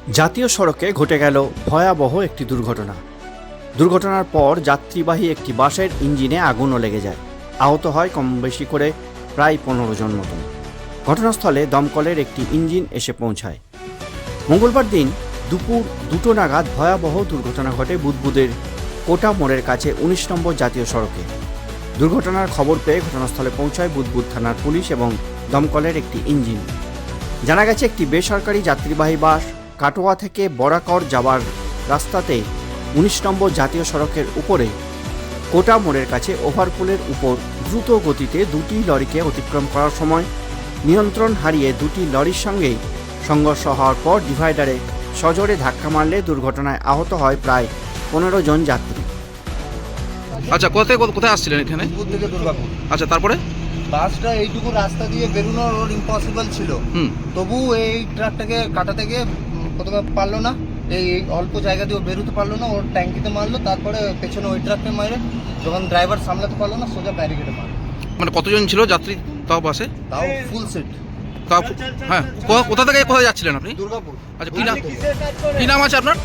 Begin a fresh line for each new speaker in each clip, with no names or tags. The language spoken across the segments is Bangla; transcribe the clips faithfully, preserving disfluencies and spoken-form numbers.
জাতীয় সড়কে ঘটে গেল ভয়াবহ একটি দুর্ঘটনা। দুর্ঘটনার পর যাত্রীবাহী একটি বাসের ইঞ্জিনে আগুনও লেগে যায়। আহত হয় কম বেশি করে প্রায় পনেরো জন মতন। ঘটনাস্থলে দমকলের একটি ইঞ্জিন এসে পৌঁছায়। মঙ্গলবার দিন দুপুর দুটো নাগাদ ভয়াবহ দুর্ঘটনা ঘটে বুদবুদের কোটা মোড়ের কাছে উনিশ নম্বর জাতীয় সড়কে। দুর্ঘটনার খবর পেয়ে ঘটনাস্থলে পৌঁছায় বুদবুদ থানার পুলিশ এবং দমকলের একটি ইঞ্জিন। জানা গেছে, একটি বেসরকারি যাত্রীবাহী বাস কাটোয়া থেকে বরাকর যাওয়ার রাস্তাতে উনিশ নম্বর জাতীয় সড়কের উপরে কোটা মোড়ের কাছে ওভারপুলের উপর দ্রুত গতিতে দুটি লরিকে অতিক্রম করার সময় নিয়ন্ত্রণ হারিয়ে দুটি লরির সঙ্গে সংঘর্ষ হওয়ার পর ডিভাইডারে সজোরে ধাক্কা মারলে দুর্ঘটনায় আহত হয় প্রায় পনেরো জন যাত্রী।
আচ্ছা, কোথায় কোথায় আসছিলেন এখানে?
দুর্গাপুর থেকে দুর্গাপুর।
আচ্ছা, তারপরে
বাসটা এইটুকু রাস্তা দিয়ে বেরোনোর ওর ইম্পসিবল ছিল।
হুম
তবু এই ট্রাকটাকে কাটা থেকে প্রথমে পারলো না, এই অল্প জায়গা দিয়ে ও বেরোতে পারলো না, ওর ট্যাঙ্কিতে মারলো। তারপরে পেছনে ওই ট্রাককে মারে, যখন ড্রাইভার সামলাতে পারলো না সোজা ব্যারিকেডে মারলো।
মানে কতজন ছিল যাত্রী তাও বাসে?
তাও ফুল সিট।
তাও হ্যাঁ, কো- কোথা থেকে কোথায় যাচ্ছিলেন আপনি?
দুর্গাপুর।
আচ্ছা, কি নাম কি নাম আছে আপনার?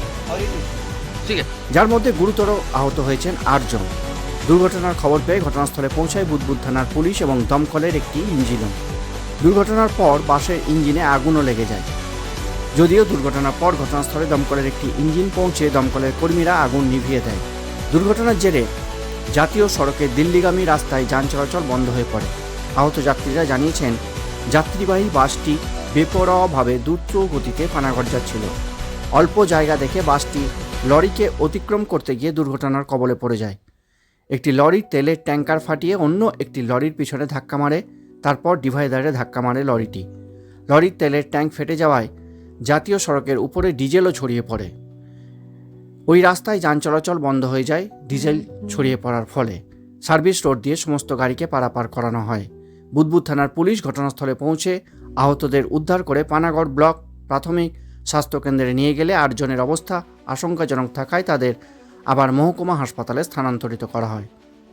ঠিক আছে।
যার মধ্যে গুরুতর আহত হয়েছেন আটজন। দুর্ঘটনার খবর পেয়ে ঘটনাস্থলে পৌঁছায় বুদবুদ থানার পুলিশ এবং দমকলের একটি ইঞ্জিনও। দুর্ঘটনার পর বাসের ইঞ্জিনে আগুনও লেগে যায়। যদিও দুর্ঘটনার পর ঘটনাস্থলে দমকলের একটি ইঞ্জিন পৌঁছে দমকলের কর্মীরা আগুন নিভিয়ে দেয়। দুর্ঘটনার জেরে জাতীয় সড়কে দিল্লিগামী রাস্তায় যান চলাচল বন্ধ হয়ে পড়ে। আহত যাত্রীরা জানিয়েছেন, যাত্রীবাহী বাসটি বেপরোয়াভাবে দ্রুত গতিতে পানাগড় যাচ্ছিল। অল্প জায়গা দেখে বাসটি লরিকে অতিক্রম করতে গিয়ে দুর্ঘটনার কবলে পড়ে যায়। একটি লরির তেলের ট্যাঙ্কার ফাটিয়ে অন্য একটি লরির পিছনে ধাক্কা মারে। তারপর ডিভাইডারে ধাক্কা মারে লরিটি। লরির তেলের ট্যাঙ্ক ফেটে যাওয়ায় জাতীয় সড়কের উপরে ডিজেলও ছড়িয়ে পড়ে। ওই রাস্তায় যান চলাচল বন্ধ হয়ে যায় ডিজেল ছড়িয়ে পড়ার ফলে। সার্ভিস রোড দিয়ে সমস্ত গাড়িকে পারাপার করানো হয়। বুদবুদ থানার পুলিশ ঘটনাস্থলে পৌঁছে আহতদের উদ্ধার করে পানাগড় ব্লক প্রাথমিক স্বাস্থ্যকেন্দ্রে নিয়ে গেলে আটজনের অবস্থা আশঙ্কাজনক থাকায় তাদের আবার মহকুমা হাসপাতালে স্থানান্তরিত করা হয়।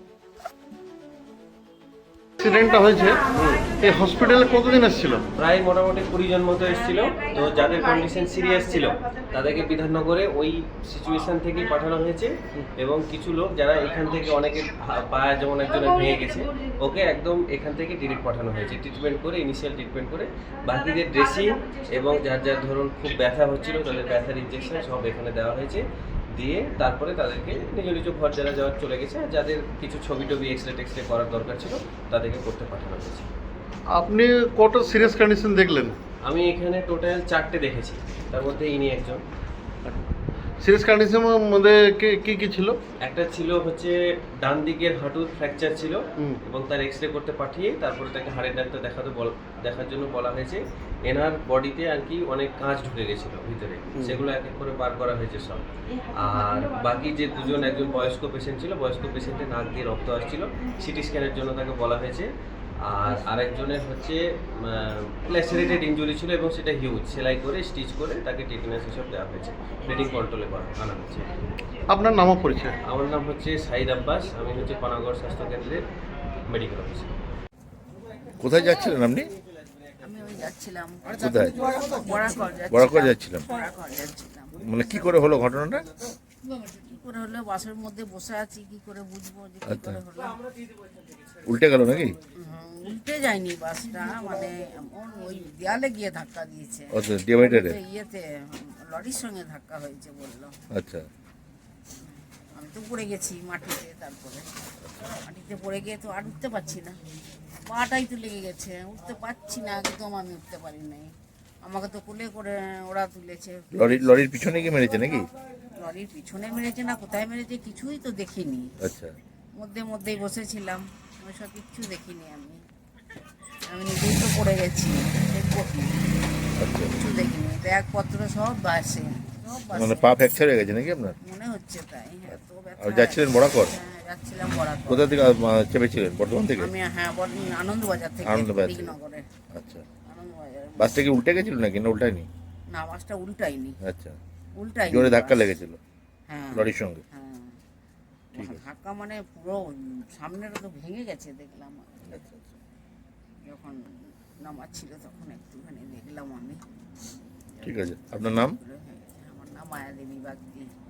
অ্যাক্সিডেন্টটা হয়েছে, এই হসপিটালে কতদিন এসেছিল?
প্রায় মোটামুটি কুড়ি জন মতো এসেছিল। তো যাদের কন্ডিশন সিরিয়াস ছিল তাদেরকে বিধাননগরে ওই সিচুয়েশন থেকেই পাঠানো হয়েছে, এবং কিছু লোক যারা এখান থেকে অনেকের পা যেমন একজনের ভেঙে গেছে, ওকে একদম এখান থেকে ডিরেক্ট পাঠানো হয়েছে ট্রিটমেন্ট করে, ইনিশিয়াল ট্রিটমেন্ট করে। বাকিদের ড্রেসিং এবং যার যার ধরুন খুব ব্যথা হচ্ছিল তাদের ব্যথার ইনজেকশন সব এখানে দেওয়া হয়েছে, দিয়ে তারপরে তাদেরকে নিজ নিজ ঘর যারা যাওয়ার চলে গেছে। আর যাদের কিছু ছবি টবি এক্সরে টেক্সরে করার দরকার ছিল তাদেরকে করতে পাঠানো হয়েছে।
আপনি কত সিরিয়াস কন্ডিশন দেখলেন?
আমি এখানে টোটাল চারটে দেখেছি, তার মধ্যে ইনি একজন।
সিরিয়াস কন্ডিশনের মধ্যে কি- কি কি ছিল?
একটা ছিল হচ্ছে ডান দিকের হাঁটুর ফ্র্যাকচার ছিল,
হুম।
এবং তার এক্সরে করতে পাঠিয়ে তারপরে তাকে হাড়ের ডাক্তার দেখাতে বল দেখার জন্য বলা হয়েছে। এনার বডিতে আর কি অনেক কাঁচ ঢুকে গেছিল ভিতরে, সেগুলো এক এক করে বার করা হয়েছে সব। আর বাকি যে দুজন, একজন বয়স্ক পেশেন্ট ছিল, বয়স্ক পেশেন্টের নাক দিয়ে রক্ত আসছিল, সিটি স্ক্যানের জন্য তাকে বলা হয়েছে। আর আরেকজনের হচ্ছে ল্যাসেরেটেড ইনজুরি ছিল এবং সেটা হিউজ, সেলাই করে স্টিচ করে তাকে টিটেনাস হিসেব দেওয়া হয়েছে, ব্লিডিং কন্ট্রোলে আনা হয়েছে।
আপনার নামও পরিচয়?
আমার নাম হচ্ছে সাইদ আব্বাস, আমি হচ্ছে পানাগড় স্বাস্থ্যকেন্দ্রের মেডিকেল অফিসার।
কোথায় যাচ্ছিলেন আপনি?
আমি ওই যাচ্ছিলাম
কোথায়?
বরাকর
বরাকর যাচ্ছিলাম।
বরাকর যাচ্ছিলাম।
মানে কি করে হলো ঘটনাটা?
কি করে হলো, বাসের মধ্যে বসে আছি, কি করে বুঝবো যে কি করে হলো।
উল্টে গেল নাকি?
হুম, উল্টে যায়নি বাসটা, মানে এমন ওই দেয়ালে গিয়ে ধাক্কা দিয়েছে।
আচ্ছা, ডিভাইডারে।
ওই ইয়েতে লরির সঙ্গে ধাক্কা হয়েছে বললো।
আচ্ছা,
আমি তো পড়ে গেছি মাটিতে, তারপরে মাটিতে পড়ে গিয়ে তো আর উঠতে পারছি না, পাটাই তো লেগে গেছে, উঠতে পারছি না, একদম আমি উঠতে পারি নাই। আমাকে তো কোলে করে ওরা তুলেছে।
লরি লরির পিছনে কি মেরেছে নাকি?
লরির পিছনে মেরেছে না কোথায় মেরেছে কিছুই তো দেখিনি।
আচ্ছা,
মধ্যে মধ্যেই বসেছিলাম, ওইসব কিচ্ছু দেখিনি আমি। আমি নিজেই তো পড়ে গেছি, দেখবো কি,
আচ্ছা।
কিছু দেখিনি। ব্যাগপত্র সব বাসে, সব বাসে।
মানে পা ফ্র্যাকচার হয়ে গেছে নাকি আপনার?
মনে হচ্ছে তাই। এত ব্যথা।
আর যাচ্ছিলেন বরাকর?
হ্যাঁ, যাচ্ছিলাম বরাকর।
কোথা থেকে আহ, চেপেছিলেন? বর্ধমান থেকে?
আমি হ্যাঁ বর- আনন্দবাজার থেকে,
আনন্দবাজার থেকে।
দিকনগরে
আচ্ছা,
আনন্দবাজারে।
বাসটা কি উল্টে গেছিল নাকি না উল্টায়নি?
না, বাসটা উল্টাইনি,
আচ্ছা,
উল্টাইনি।
জোরে ধাক্কা
বাস।
লেগেছিল
হ্যাঁ,
লরির সঙ্গে?
হ্যাঁ।
ঠিক আছে।
ধাক্কা মানে পুরো সামনেটা তো ভেঙে গেছে দেখলাম।
আচ্ছা, আচ্ছা।
যখন নামাচ্ছিল তখন একটুখানি দেখলাম আমি।
ঠিক আছে, আপনার নাম?
হ্যাঁ। মায়াদেবী বাগদি।